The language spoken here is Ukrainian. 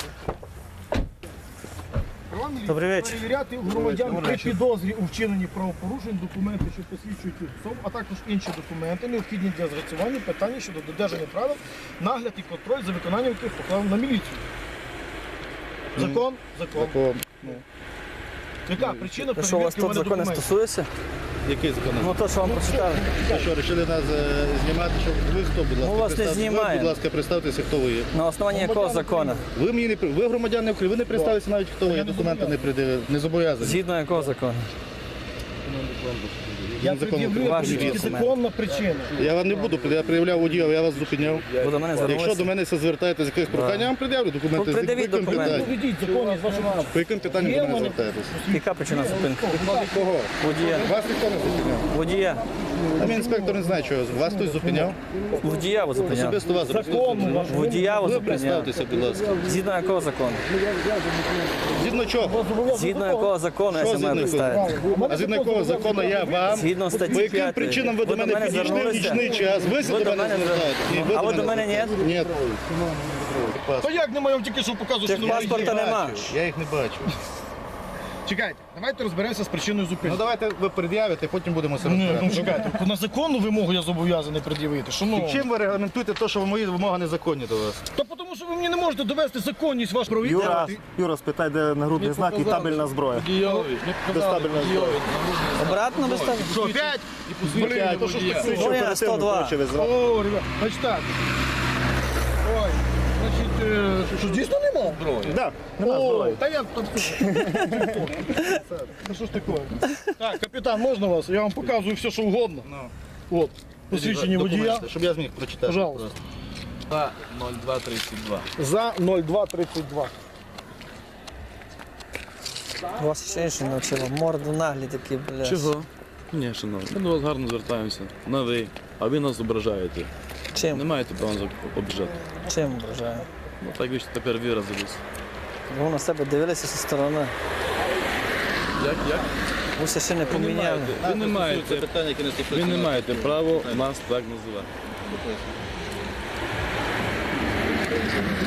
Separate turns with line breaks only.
Добрий вечір.
Перевіряти у громадян при підозрі у вчиненні правопорушень документи, що посвідчують їх особу, а також інші документи, необхідні для з'ясування питання щодо додержання правил, нагляд і контроль за виконанням яких покладено на міліцію. Закон? Закон. Яка причина
Ну що, у вас
перевірки у
тут
мене
закони
документів?
стосується?
Який закон?
Ну то, що вам прочитали.
Ви що, вирішили нас знімати, що ви хто, будь ласка?
Ми вас не
представте-
знімаємо.
Ви, будь ласка, представтеся, хто ви є.
На основанні якого закону?
Ви мені не ви громадяни України, ви не представилися навіть, хто ви є, документи не придивили, не зобов'язані.
Згідно якого закону?
Я
Закон
пред'явлю
Ваші
тільки
документи.
законна причина.
Я вам не буду, я проявляв водію, я вас зупиняв.
Ви до мене
Якщо до
звернулися?
мене все звертаєте з якихось прохань, я вам пред'явлю документи.
Ну, пред'явіть
По яким
документи.
питанням?
Доведіть законність вашого
По яким питанням до мене звертаєтесь?
Яка причина зупинки?
Кого?
Водія.
Вас ніхто не зупиняв.
Водія.
А мій інспектор не знає, чого. Вас хтось зупиняв?
Водія ви зупиняли.
Особисто вас
закону вашого.
Водія ви
Ви
зупиняли.
представтеся, будь ласка.
Згідно якого закону?
Згідно чого?
Згідно якого закону я
Що
себе маю
згідно
представити?
А згідно якого закону я вам?
Згідно статті
По яким
5.
причинам ви до мене підійшли в
звернулися?
нічний час? Ви
Ви
до мене звертаєтесь? Ні, ви
А ви до мене ні?
Ні.
То як немає, я вам тільки що показував, що немає.
Техпаспорта нема.
Я їх не бачу.
Чекайте, давайте розберемося з причиною
Ну
зупинки.
давайте ви пред'явите, потім будемо все
Ні, ну
розбирати.
чекайте, на законну вимогу я зобов'язаний пред'явити. Шановні.
Чим ви регламентуєте те, що мої вимоги незаконні до вас?
Та тому що ви мені не можете довести законність ваш правові.
Юра, спитай, де нагрудний знак і табельна зброя. Безтабельна зброя.
Обратно без тебе?
Що, 5? Блін, то що ж таке?
Ой, на 102.
О, ребят, значить так. Ой, значить, що дійсно нема?
Да, нема
О,
зброї.
та я там... Та що ж таке? Так, капітан, можна вас? Я вам показую все, що угодно. От, посвідчення водія.
Документи, щоб я зміг прочитати.
Пожалуйста.
0232.
За 0232.
Вас ще інше навчило. Морду наглі такі, бля.
Чого? Ні, шановні, ми до вас гарно звертаємося. На ви, а ви нас ображаєте. Не
Чим?
маєте права нас обіжати.
Чим ображаю?
Ну так ви ж тепер виразились.
Ви на себе дивилися зі сторони.
Як?
Ви ще не поміняли.
Ви не маєте,
питання, які не
ви
стосуються.
не маєте права нас так називати.